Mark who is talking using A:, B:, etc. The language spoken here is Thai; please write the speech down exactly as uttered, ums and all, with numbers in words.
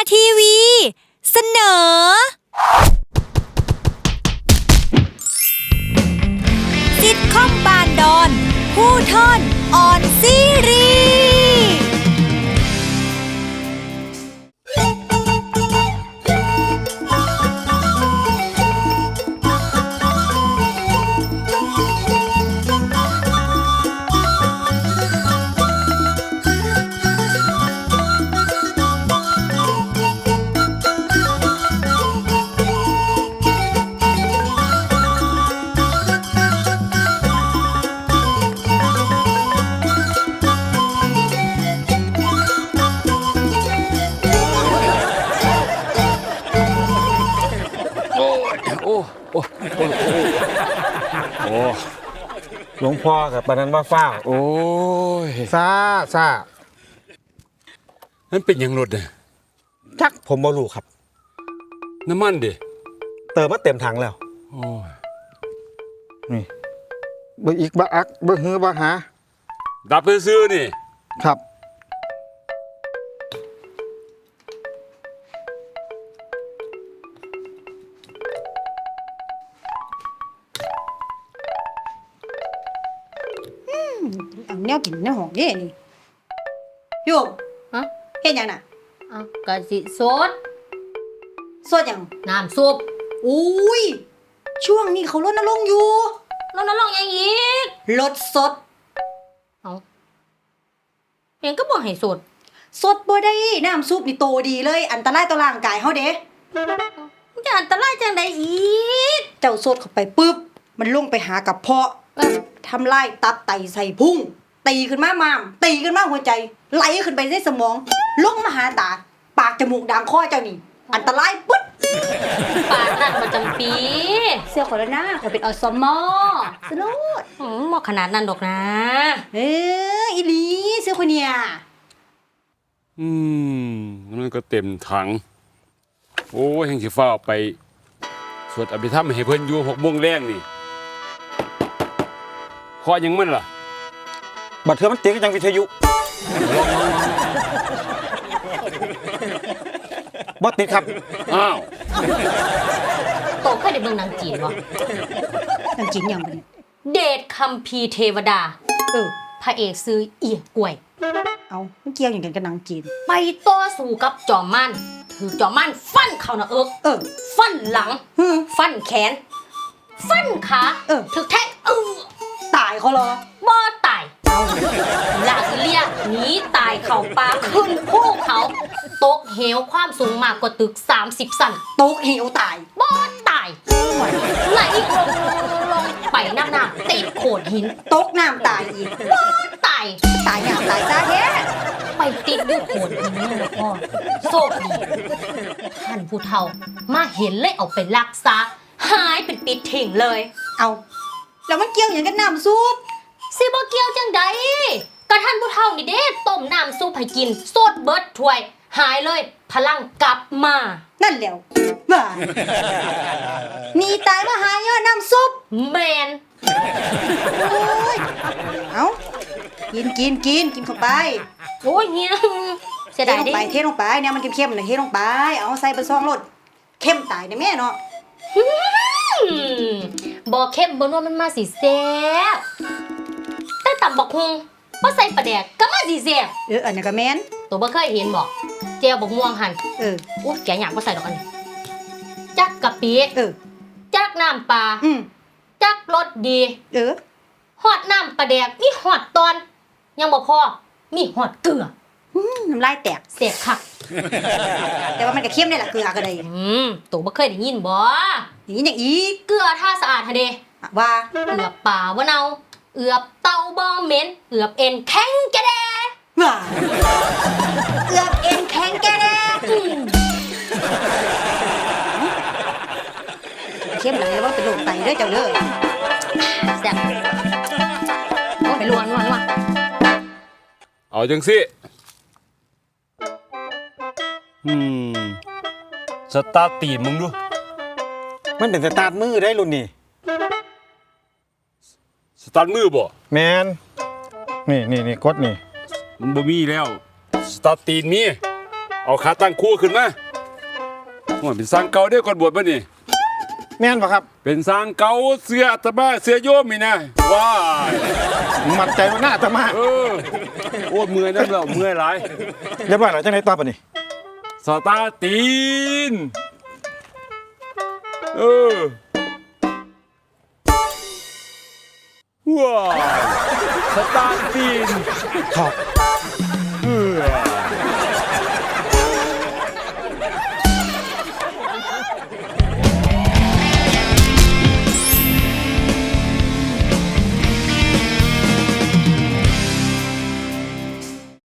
A: ทีวีเสนอซิทคอมบานดอนผู้ทอนออนซีรีส์
B: โอ้โอ้โอ้โอ้
C: หลวงพ่อกับปานนั้นว่าฟ้า
B: โอ้ย
C: ซาซา
B: นั่นเป็นยังรถเนี่ย
C: จักผมบ่รู้ครับ
B: น้ำมันดิ
C: เติมมาเต็มถังแล้ว
B: โอ้ย
C: นี่เบิ่งอีกบ่อักเบิ่งหือบ่หา
B: ดับซื้อนี่
C: ครับ
D: อันแนวกินแนวหองเด้นี่โยม
E: ฮะ
D: เฮ็ดหยังน่ะ
E: อ้าวกะสิสด
D: สดหยัง
E: น้ำซุป
D: อุ้ยช่วงนี้เขารณรงค์อยู่
E: รณรงค์หยังอีก
D: ลดสด
E: เอ้าเองก็บ่ให้สด
D: สดบ่ได้น้ำซุปนี่โตดีเลยอันตรายต่อร่างกายเฮาเด้
E: มันจะอันตรายจังได๋อีก
D: เจ้าสดเข้าไปปึ๊บมันลงไปหากระเพาะทำลายตับไตไส้พุงตีขึ้นมาม้ามตีขึ้นมาหัวใจไหลขึ้นไปในสมองลงมาหาตาปากจมูกด่างคอเจ้านี่อันตรายปึ๊ด
E: ปากนั่นประจำปี
D: เสื้อขอแล้วนะขอเป็นอสมสนุด
E: อืมบ่ขนาดนั้นดอกนะ
D: เอ้ออีหลีเสื้อคนเนี่ย
B: อืมมันก็เต็มถังโอ้ยแห่งสิฟ้าไปสวดอภิธรรมให้เพิ่นอยู่หกโมงแรงนี่ขอยังมันล่ะ
C: บัดเทื่อมันติดก็ยังวิทยุบ่ติดครับ
B: อ้าว
E: โตเคยได้เบิ่งหนังจีนบ่
D: หนังจีนหยังบ่นี่
E: เดชคัมภีร์เทวดาเออพระเอกซื้อเอียกล้วย
D: เอ้ามันเกี่ยวหยังกันกับหนังจีน
E: ไปต่อสู้กับจอมมันถือจอมมันฟันเข้าหน้าอก
D: เออ
E: ฟันหลังฟันแขนฟันขา
D: เออ
E: ถึกแทงเออ
D: ตายเขาเหรอ
E: บ่ตายลากเลียหนีตายเข้าป่าขึ้นภูเขาตกเหวความสูงมากกว่าตึกสามสิบชั้น
D: ตกเหวตาย
E: บ่ตายไหลลงลงไปน้ำน้ำติดโขดหิน
D: ตกน้ำตายอีก
E: บ่ตาย
D: ตายน้ำตายซะแท้
E: ไปติดอยู่โขดหินนี่นะพ่อโชคดีท่านผู้เฒ่ามาเห็นเลยเอาไปรักษาหายเป็นปิดทิ้งเลย
D: เอาแล้วมันเกี่ยวอย่างกันน้ำซุป
E: สิบ่เกี่ยวจังใดก็ท่านผู้เฒ่านี่เด้ต้มน้ำซุปให้กินสดเบิดถ้วยหายเลยพลังกลับมา
D: นั่นแล้วว่ามีตายมาหายย้อนน้ำซุป
E: แมน
D: โอ้ยเอากินกินกินกินเข้าไป
E: โอ้ยเฮียเสีย
D: ดาย
E: ดิ
D: เทลงไปเทลงไปเนี่ยมันเข้มๆน่ะเทลงไปเอาใส่ไปซองรสเข้มตายได้แม่เนาะ
E: บ่เข้มบ่นัวมันมาสิแซ่บแต่ตำบักฮุงบ่ใส่ปลาแดกก็มาสิแซ่บ
D: เอออันนั้นก็แม่น
E: ตัวบ่เคยเห็นบ่แจ่วบักม่วงหั่น
D: เออ
E: โอ้แกหยังบ่ใส่ดอกอันนี้จักกะปิ
D: เออ
E: จักน้ำปลา
D: อืม
E: จักรสดี
D: เออ
E: ฮอดน้ำปลาแดกมีฮอดตอนยังบ่พอมีฮอดเกลือ
D: อืมน้ำลายแตก
E: แซ่บคัก
D: แต่ว่ามันก็เข้มได้ล่ะเกลือก็ได้
E: อืมตัวบ่เคยได้ยินบ่
D: อย่างนี้อย่างอีก
E: เกลือถ้าสะอาดหั่นเด้
D: ว่า
E: เอือบปลาบ่เน่าเอือบเต่าบ่เหม็นเอือบเอ็นแข็งแกะแด
D: ว่าเอือบเอ็นแข็งแกะแดเข้มหลายว่าเป็นโรคไตเด้อเจ้าเด้อ
E: แซ่บโอ้ไปลวนลวนลวน
B: เอาจังสิอืมสตาร์ทตีนมึงดู
C: มันเป็นสตาร์ทมือได้รุ่นนี่
B: สตาร์ทมือบ่
C: แมนนี่นี่นี่กดนี่
B: มันบ่มีแล้วสตาร์ทตีนมีเอเอาขาตั้งคู่ขึ้นมาโอ้ยเป็นสร้างเก่าเด้อก่อนบวชมานี่
C: แม่นบ่ครับ
B: เป็นสร้างเก่าเสื้ออาตมาเสื้อโยมนี่นะว้าย
C: มั่นใจว่าหน้าอาตมา
B: เออโอ้ยเมื่อยนั่นแล้วเมื่อยหลาย
C: เรียบร้อยแล้วจังไดต่อปะนี่
B: สตาร์ตีนเออว้ายสตาร์ตีน
C: ครับ